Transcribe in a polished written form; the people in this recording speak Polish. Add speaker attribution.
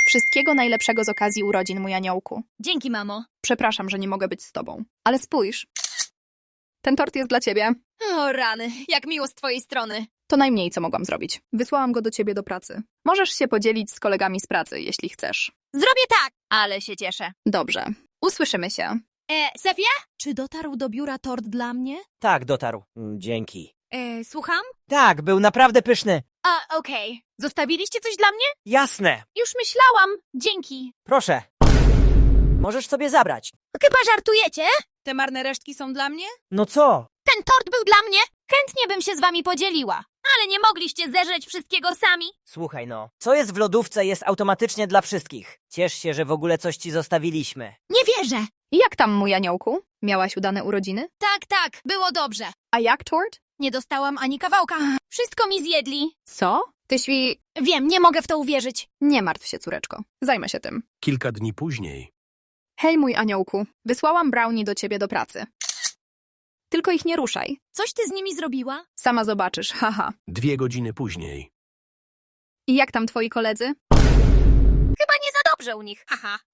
Speaker 1: Wszystkiego najlepszego z okazji urodzin, mój aniołku.
Speaker 2: Dzięki, mamo.
Speaker 1: Przepraszam, że nie mogę być z tobą. Ale spójrz. Ten tort jest dla ciebie.
Speaker 2: O rany, jak miło z twojej strony.
Speaker 1: To najmniej, co mogłam zrobić. Wysłałam go do ciebie do pracy. Możesz się podzielić z kolegami z pracy, jeśli chcesz.
Speaker 2: Zrobię tak, ale się cieszę.
Speaker 1: Dobrze. Usłyszymy się.
Speaker 2: Sefia? Czy dotarł do biura tort dla mnie?
Speaker 3: Tak, dotarł. Dzięki.
Speaker 2: Słucham?
Speaker 3: Tak, był naprawdę pyszny.
Speaker 2: Okej. Zostawiliście coś dla mnie?
Speaker 3: Jasne.
Speaker 2: Już myślałam. Dzięki.
Speaker 3: Proszę. Możesz sobie zabrać.
Speaker 2: Chyba żartujecie?
Speaker 4: Te marne resztki są dla mnie?
Speaker 3: No co?
Speaker 2: Ten tort był dla mnie? Chętnie bym się z wami podzieliła. Ale nie mogliście zeżreć wszystkiego sami.
Speaker 3: Słuchaj no, co jest w lodówce jest automatycznie dla wszystkich. Ciesz się, że w ogóle coś ci zostawiliśmy.
Speaker 2: Nie wierzę.
Speaker 1: Jak tam, mój aniołku? Miałaś udane urodziny?
Speaker 2: Tak, było dobrze.
Speaker 1: A jak tort?
Speaker 2: Nie dostałam ani kawałka. Wszystko mi zjedli.
Speaker 1: Co? Ty świ...
Speaker 2: Wiem, nie mogę w to uwierzyć.
Speaker 1: Nie martw się, córeczko. Zajmę się tym.
Speaker 5: Kilka dni później.
Speaker 1: Hej, mój aniołku. Wysłałam brownie do ciebie do pracy. Tylko ich nie ruszaj.
Speaker 2: Coś ty z nimi zrobiła?
Speaker 1: Sama zobaczysz, haha.
Speaker 5: 2 godziny później.
Speaker 1: I jak tam twoi koledzy?
Speaker 2: Chyba nie za dobrze u nich. Haha.